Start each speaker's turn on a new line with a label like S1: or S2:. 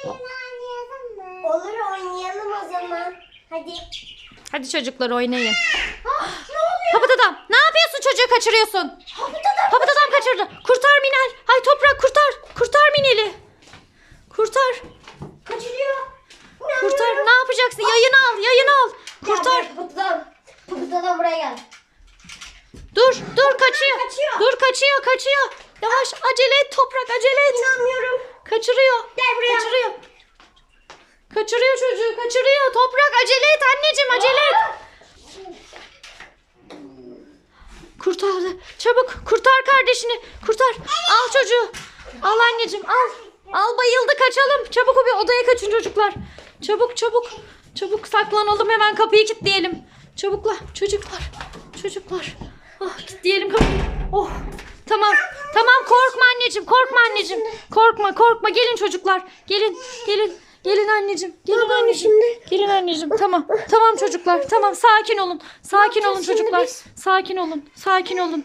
S1: Olur, oynayalım o zaman. Hadi.
S2: Hadi çocuklar oynayın.
S1: Ne oluyor?
S2: Papıt adam, ne yapıyorsun, çocuğu kaçırıyorsun? Papıt adam kaçırdı. Kurtar Minel. Hay Toprak, kurtar. Kurtar Minel'i. Kurtar.
S1: Kaçırıyor.
S2: Kurtar. Ne yapacaksın? Yayını al. Yayını al. Kurtar.
S1: Pıpıdadan buraya gel.
S2: Dur. Dur kaçıyor.
S1: Kaçıyor.
S2: Dur kaçıyor. Yavaş, acele et Toprak, acele et.
S1: İnanmıyorum.
S2: Kaçırıyor.
S1: Gel buraya.
S2: Kaçırıyor çocuğu. Kaçırıyor. Toprak acele et anneciğim, acele et. Kurtardı. Çabuk kurtar kardeşini. Kurtar. Al çocuğu. Al anneciğim, al. Al, bayıldı, kaçalım. Çabuk bir odaya kaçın çocuklar. Çabuk saklanalım, hemen kapıyı kilitleyelim. Çabukla çocuklar. Ah, kilitleyelim kapıyı. Oh. Tamam korkma anneciğim. Korkma. Gelin çocuklar. Gelin anneciğim. Gelin anneciğim. Tamam çocuklar. Tamam, sakin olun. Sakin olun çocuklar. Sakin olun.